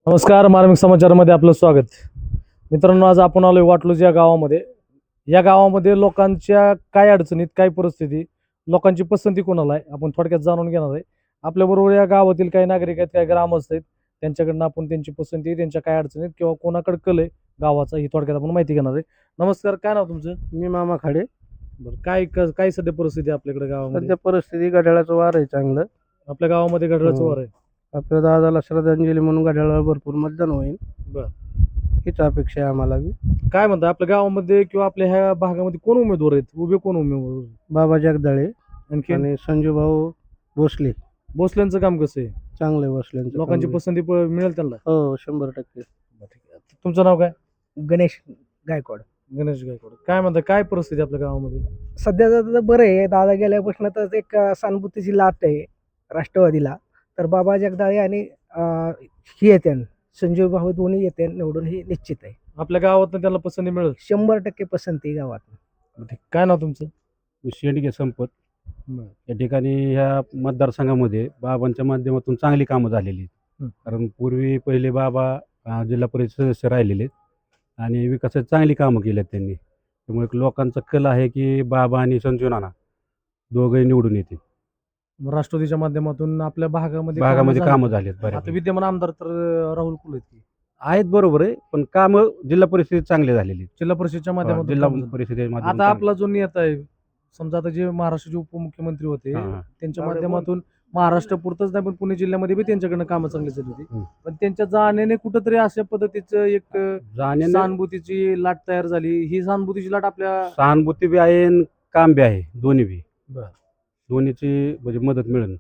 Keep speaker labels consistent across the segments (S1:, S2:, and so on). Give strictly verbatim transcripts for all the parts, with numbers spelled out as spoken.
S1: नमस्कार. मार्मिक समाचारमध्ये आपलं स्वागत. मित्रांनो, आज आपण आलोय वाटलूज या गावामध्ये. या गावामध्ये लोकांच्या काय अडचणीत, काय परिस्थिती, लोकांची पसंती कोणाला आहे, आपण थोडक्यात जाणून घेणार आहे. आपल्याबरोबर या गावातील काही नागरिक आहेत, काही ग्रामस्थ आहेत. त्यांच्याकडनं आपण त्यांची पसंती, त्यांच्या काय अडचणीत किंवा कोणाकडे कल आहे गावाचा, ही थोडक्यात आपण माहिती घेणार आहे. नमस्कार, काय नाव तुमचं?
S2: मी मामा खाडे.
S1: बरं, काय क- काय सध्या परिस्थिती आहे आपल्याकडे गावामध्ये?
S2: सध्या परिस्थिती घड्याळाचं वार आहे चांगलं.
S1: आपल्या गावामध्ये घड्याळाचं
S2: हो.
S1: वार आहे.
S2: आपल्या दादाला श्रद्धांजली म्हणून घड्याळाला भरपूर मतदान होईल,
S1: बरं,
S2: हीच अपेक्षा आहे आम्हाला बी.
S1: काय म्हणता आपल्या गावामध्ये किंवा आपल्या ह्या भागामध्ये कोण उमेदवार आहेत, उभे कोण उमेदवार आहेत?
S2: बाबा जगदाळे
S1: आणखी
S2: आणि संजू भाऊ भोसले.
S1: भोसल्यांचं काम कसं आहे?
S2: चांगले भोसल्यांचं
S1: लोकांची
S2: काम बी.
S1: पसंती प- मिळेल त्यांना?
S2: हो, शंभर टक्के.
S1: तुमचं नाव काय?
S3: गणेश गायकवाड.
S1: गणेश गायकवाड. काय म्हणता, काय परिस्थिती आपल्या गावामध्ये?
S3: सध्या तर बरं आहे, दादा गेल्यापासून तर एक अं, सहानुभूतीची लाट आहे राष्ट्रवादीला. तर बाबा जगदाळे आणि अं, ही येते संजय भाऊ दोन्ही येते निवडून, ही निश्चित आहे.
S1: आपल्या गावात त्यांना पसंती मिळेल?
S3: शंभर टक्के पसंती गावात.
S1: ठीक. काय नाव तुमचं?
S4: शेंडगे संपत.
S1: बरं.
S4: या ठिकाणी ह्या मतदारसंघामध्ये बाबांच्या माध्यमातून चांगली कामं झालेली आहेत.
S1: हं.
S4: कारण पूर्वी पहिले बाबा अं, जिल्हा परिषद सदस्य राहिलेले आहेत आणि विकासाची चांगली कामं केली आहेत त्यांनी. त्यामुळे एक लोकांचा कल आहे की बाबा आणि संजू नाना दोघंही निवडून येतील.
S1: मग राष्ट्रवादीच्या माध्यमातून आपल्या भागामध्ये
S4: भागामध्ये
S1: कामं
S4: कामं
S1: झाली.
S4: झाली आहेत
S1: आता
S4: बऱ्यापैकी.
S1: विद्यमान आमदार तर अं, राहुल कुल आहेत की.
S4: आहेत बरोबर आहे, पण कामं जिल्हा परिषदेत चांगली झालेली आहेत.
S1: जिल्हा परिषदच्या
S4: हा,
S1: माध्यमातून
S4: जिल्हा
S1: कामं झाली.
S4: परिषदेच्या माध्यमातून
S1: आता
S4: चांगली.
S1: आपला जो नेता आहे, समजा आता जे महाराष्ट्राचे उपमुख्यमंत्री होते,
S4: हा, हा.
S1: त्यांच्या
S2: अरे
S1: माध्यमातून महाराष्ट्र पुरतच नाही पण पुणे जिल्ह्यामध्ये बी त्यांच्याकडनं कामं चांगली झाली होती.
S4: हं.
S1: पण त्यांच्या जाण्याने कुठंतरी अशा पद्धतीचं एक अं,
S4: जाण्याने
S1: सहानुभूतीची लाट तयार झाली. ही सहानुभूतीची लाट आपल्या
S4: सहानुभूती बी आहे आणि काम बी आहे, दोन्ही बी.
S1: बरं.
S4: दोन्हीची म्हणजे मदत मिळेल.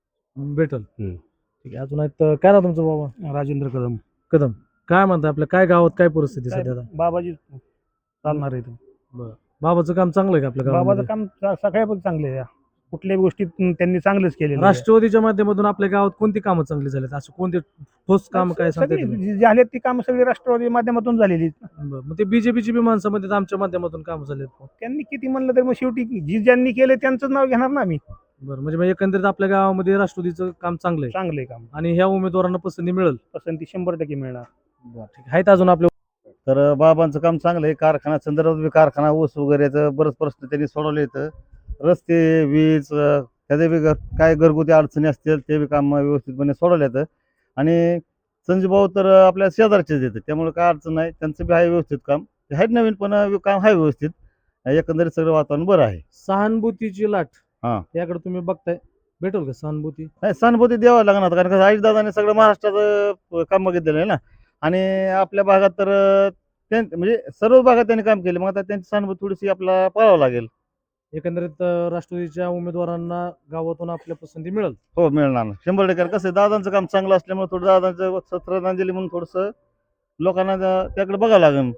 S1: भेटल.
S4: हं.
S1: ठीक आहे. अजून आहेत, काय ना तुमचं बाबा?
S2: राजेंद्र कदम.
S1: कदम. काय म्हणता आपल्या काय गावात काय परिस्थिती सध्या आता?
S2: बाबाजी चालणार आहे.
S1: बरं. बाबाचं काम चांगलं आहे का आपल्या
S2: बाबाचं
S1: गावामध्ये?
S2: काम सगळ्या चांगले आहे. कुठल्याही गोष्टीत त्यांनी चांगलंच केलेलं आहे.
S1: राष्ट्रवादीच्या माध्यमातून आपल्या गावात कोणती कामं चांगली झालीत, असं कोणते ठोस काम काय सांगता
S2: सगळी
S1: तुम्ही?
S2: जी झाली ती कामं सगळी राष्ट्रवादी माध्यमातून झालेली.
S1: बरं. मग ते बीजेपीची बी माणसामध्ये आमच्या माध्यमातून कामं झालेत.
S2: त्यांनी किती म्हणलं तर मग शेवटी जी ज्यांनी केले त्यांचं नाव घेणार ना आम्ही.
S1: बरं, म्हणजे मग एकंदरीत आपल्या गावामध्ये राष्ट्रवादीचं काम चांगलं आहे
S2: चांगले काम,
S1: आणि ह्या उमेदवारांना पसंती मिळेल.
S2: पसंती शंभर टक्के मिळणार.
S1: ठीक आहे. आहेत अजून आपल्या?
S5: तर बाबांचं काम चांगलं आहे. कारखाना संदर्भात बी कारखाना ऊस वगैरेचं बरंच प्रश्न त्यांनी सोडवले आहेत. रस्ते, वीज, अं, त्याचे बी घर- काय घरगुती अडचणी असतील ते बी काम व्यवस्थितपणे सोडवले आहेत. आणि संजू भाऊ तर आपल्या शेजारचेच येतात, त्यामुळे काय अडचण नाही. त्यांचं बी आहे व्यवस्थित काम. ते आहेत नवीन, पण काम आहे व्यवस्थित. एकंदरीत सगळं वातावरण बरं आहे.
S1: सहानुभूतीची लाट,
S5: हां.
S1: याकडे तुम्ही बघताय, भेटेल का सहानुभूती?
S5: नाही, सहानुभूती द्यावं लागणार, कारण का आईदादाने सगळं महाराष्ट्राचं काम बघितलेलं आहे ना. आणि आपल्या भागात तर अं, त्यां म्हणजे सर्व भागात त्यांनी काम केले. मग आता त्यांची सहानुभूती थोडीशी आपल्याला पाळावं लागेल.
S1: एकंदरीत अं, राष्ट्रवादीच्या उमेदवारांना गावातून आपल्या पसंती मिळेल.
S5: हो, मिळणार ना शंभर टक्के. कसं आहे, दादांचं काम चांगलं असल्यामुळे थोडं दादांचं श्रद्धांजली म्हणून थोडंसं लोकांना त्या- त्याकडे बघावं लागेल.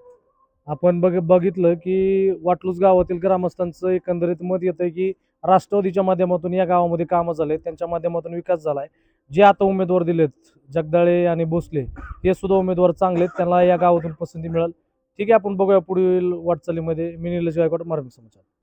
S1: आपण बघ बघितलं की वाटलूज गावातील ग्रामस्थांचं एकंदरीत मत येतंय की राष्ट्रवादीच्या माध्यमातून या गावामध्ये कामं झाले, त्यांच्या माध्यमातून विकास झालाय. जे आता उमेदवार दिलेत, जगदाळे आणि भोसले, हे सुद्धा उमेदवार चांगले आहेत, त्यांना या गावातून पसंती मिळेल. ठीक आहे, आपण बघूया पुढील वाटचालीमध्ये. मी निलेश गायकवाड, मार्मिक समाचार.